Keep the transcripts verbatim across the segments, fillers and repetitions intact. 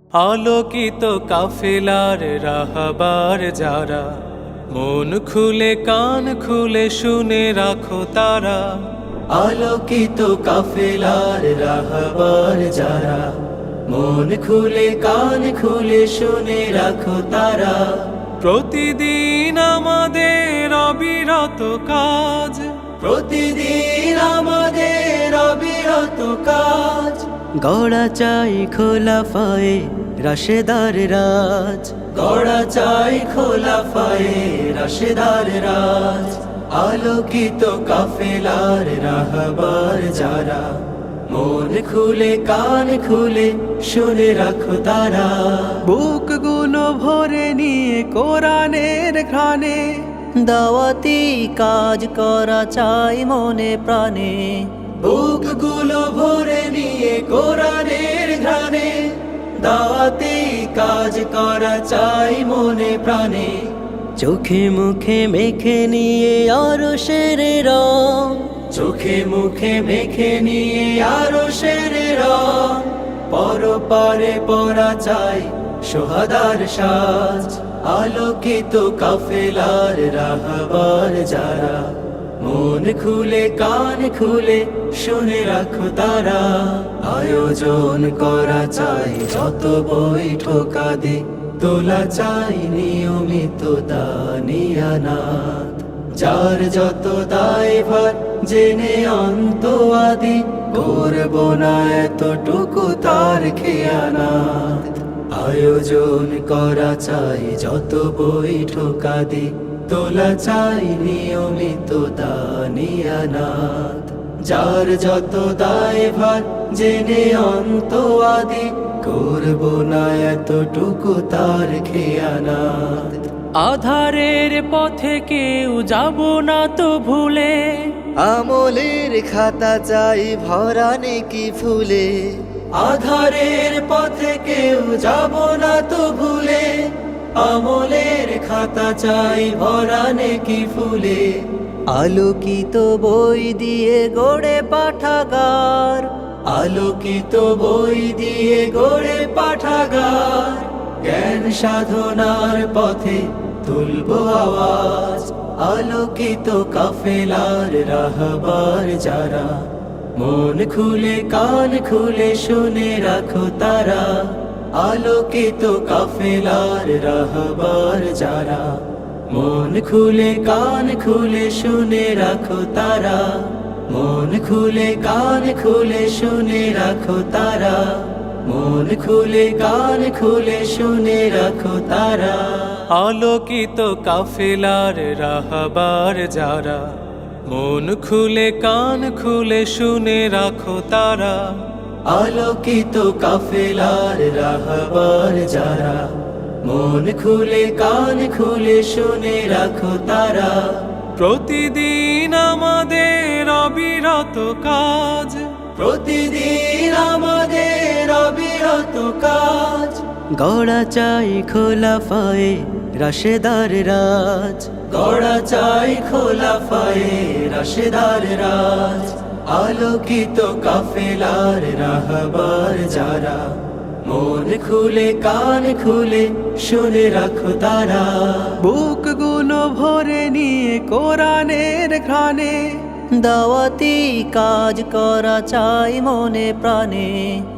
আলোকিত কাফেলার রাহবার যারা, মন খুলে কান খুলে শুনে রাখো তারা। আলোকিত কাফেলার রাহবার যারা, মন খুলে কান খুলে শুনে রাখো তারা। প্রতিদিন আমাদের অবিরত কাজ, প্রতিদিন আমাদের অবিরত কাজ। গড়া চাই খোলাফায়ে রাশেদার রাজ, গড়া চাই খোলাফায়ে রাশেদার রাজ। আলোকিত কাফেলার রাহবার যারা, মন খুলে কান খুলে শুনে রাখো তারা। বুকগুলো ভরে নিয়ে কোরআনের ঘ্রাণে, দাওয়াতি কাজ করা চাই মনে প্রাণে। বুকগুলো ভরে নিয়ে কোরআনের ঘ্রাণে, দাওয়াতি কাজ করা চাই মনে প্রাণে। চোখে মুখে মেখে নিয়ে আরশের রং, চোখে মুখে মেখে নিয়ে আরশের রং। পরপারে পরা চাই সোহাদার সাজ। আলোকিত কাফেলার রাহবার যারা, মন খুলে কান খুলে শুনে রাখো তারা। আয়োজন করা চাই যত বৈঠকা দে, তোলা চাই নিয়মিত দানিয়ানাত। যার যত দায়ভার জেনে অন্ত আদি, করব না এতটুকু তার খেয়ানাত। আয়োজন করা চাই যত বৈঠকা দে, তোলা চাই নিয়মিত দানিয়ানাত। যার যত দায়ভার জেনে অন্ত আদি, করব না এতটুকু তার খেয়ানাত। আধারের পথে কেউ যাব না তো ভুলে, আমলের খাতা চাই ভরা নেকি ফুলে। আধারের পথে কেউ যাব না তো ভুলে, আমলের খাতা চাই ভরা নেকি ফুলে। আলোকিত বই দিয়ে গড়ে পাঠাগার, আলোকিত বই দিয়ে গড়ে পাঠাগার। জ্ঞান সাধনার পথে তুলব আওয়াজ। আলোকিত কাফেলার রাহবার যারা, মন খুলে কান খুলে শুনে রাখো তারা। আলোকিত কাফেলার রাহবার যারা, মন খুলে কান খুলে শুনে রাখো তারা। মন খুলে কান খুলে শুনে রাখো তারা। মন খুলে কান খুলে শুনে রাখো তারা। আলোকিত কাফেলার রাহবার যারা, মন খুলে কান খুলে শুনে রাখো তারা। আলোকিত কাফেলার রাহবার যারা, মন খুলে কান খুলে শুনে রাখো তারা। প্রতিদিন আমাদের অবিরত কাজ, প্রতিদিন আমাদের অবিরত কাজ। গড়া চাই খোলাফায়ে রাশেদার রাজ, গড়া চাই খোলাফায়ে রাশেদার রাজ। আলোকিত কাফেলার রাহবার যারা, মন খুলে কান খুলে শুনে রাখো তারা। বুকগুলো ভরে নিয়ে কোরআনের ঘ্রাণে, দাওয়াতি কাজ করা চাই মনে প্রাণে।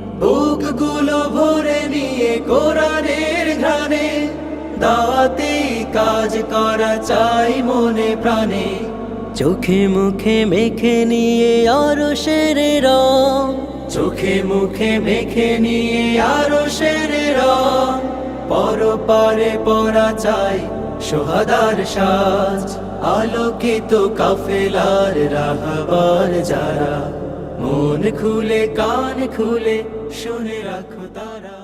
বুকগুলো ভরে নিয়ে কোরআনের ঘ্রাণে, দাওয়াতি কাজ করা চাই মনে প্রাণে। চোখে মুখে মেখে নিয়ে আরশের রং, চোখে মুখে মেখে নিয়ে আরশের রং। পরপারে পরা চাই সোহাদার সাজ। আলোকিত কাফেলার রাহবার যারা, মন খুলে কান খুলে শুনে রাখো তারা।